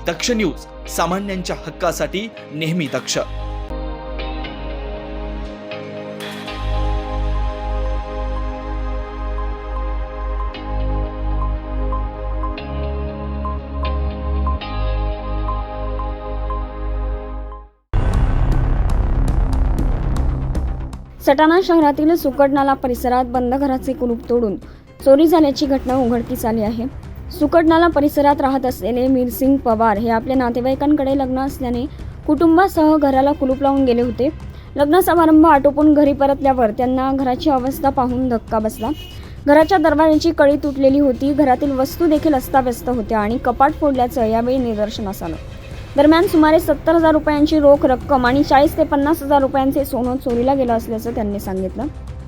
दक्ष news, सामान्यांच्या हक्कासाठी नेहमी दक्ष. सटाणा शहरातील सुकडनाला परिसरात बंद घराचे कुलूप तोडून चोरी झाल्याची घटना उघडकीस आली आहे. सुकडनाला परिसरात राहत असलेले मीरसिंग पवार हे आपल्या नातेवाईकांकडे लग्न असल्याने कुटुंबासह घराला कुलूप लावून गेले होते. लग्न समारंभ आटोपून घरी परतल्यावर त्यांना घराची अवस्था पाहून धक्का बसला. घराच्या दरवाजाची कडी तुटलेली होती. घरातील वस्तू देखील अस्ताव्यस्त होत्या आणि कपाट फोडल्याचं यावेळी निदर्शनास आलं. दरम्यान सुमारे 70,000 रुपयांची रोख रक्कम आणि 40 ते 50,000 रुपयांचे सोनं चोरीला गेलं असल्याचं त्यांनी सांगितलं.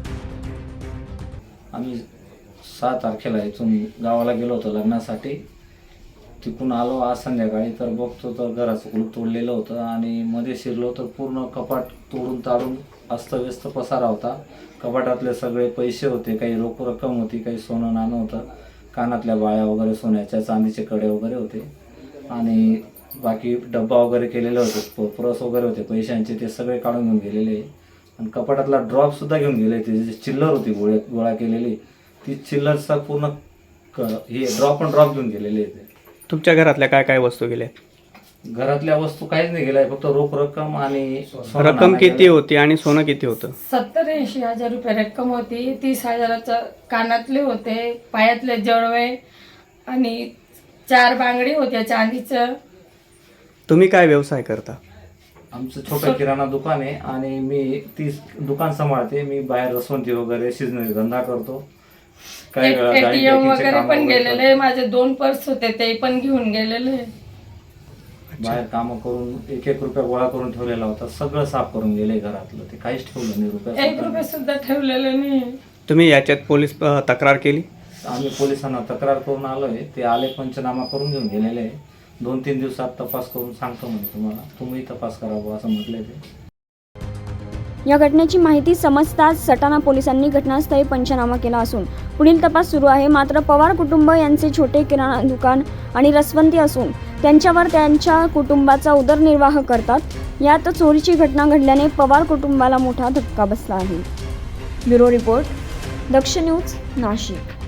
आम्ही 6 तारखेला इथून गावाला गेलो होतो लग्नासाठी. तिकडून आलो आज संध्याकाळी तर बघतो तर घराचं कुलूप तोडलेलं होतं आणि मध्ये शिरलो तर पूर्ण कपाट तोडून ताडून अस्तव्यस्त पसारा होता. कपाटातले सगळे पैसे होते, काही रोख रक्कम होती, काही सोनं नाणं होतं, कानातल्या बाळ्या वगैरे सोन्याच्या, चांदीचे कडे वगैरे होते आणि बाकी डब्बा वगैरे केलेले होते, परस वगैरे होते पैशांचे, ते सगळे काढून घेऊन गेलेले. आणि कपाटातला ड्रॉप सुद्धा घेऊन गेले. ती जी चिल्लर होती गोळा केलेली, ती चिल्लरचा पूर्ण हे ड्रॉप घेऊन गेलेले. तुमच्या घरातल्या काय काय वस्तू गेल्या? घरातल्या वस्तू काहीच नाही गेल्या, फक्त रोख रक्कम आणि रक्कम किती होती आणि सोनं किती होतं? 70-80 हजार रुपये रक्कम होती. 30,000चं कानातले होते, पायातले जळवे आणि 4 बांगडी होत्या चांदीचं. तुम्ही काय व्यवसाय करता? आमचं छोटं किराणा दुकान आहे आणि मी दुकान सांभाळते. मी बाहेर रसवंती वगैरे शिजणारी धंदा करतो. काही ATM वगैरे पण गेलेले. माझे 2 पर्स होते ते पण घेऊन गेलेले. बाहेर कामं करून 1-1 रुपया गोळा करून ठेवलेला होता. सगळं साफ करून गेले घरातलं. ते काहीच ठेवलं नाही, 1 रुपया सुद्धा ठेवलेले नाही. तुम्ही याच्यात पोलीस तक्रार केली? आम्ही पोलिसांना तक्रार करून आलोय. ते आले, पंचनामा करून घेऊन गेलेले आहे. 2-3 दिवसात तपास करून सांगतो म्हणजे तुम्हाला, तुम्ही तपास करावा असं म्हटलंय ते. या घटनेची माहिती समजताच सटाणा पोलिसांनी घटनास्थळी पंचनामा केला असून पुढील तपास सुरू आहे. मात्र पवार कुटुंब यांचे छोटे किराणा दुकान आणि रसवंती असून त्यांच्यावर त्यांच्या कुटुंबाचा उदरनिर्वाह करतात. यात चोरीची घटना घडल्याने पवार कुटुंबाला मोठा धक्का बसला आहे. Bureau report, Daksh news, Nashik.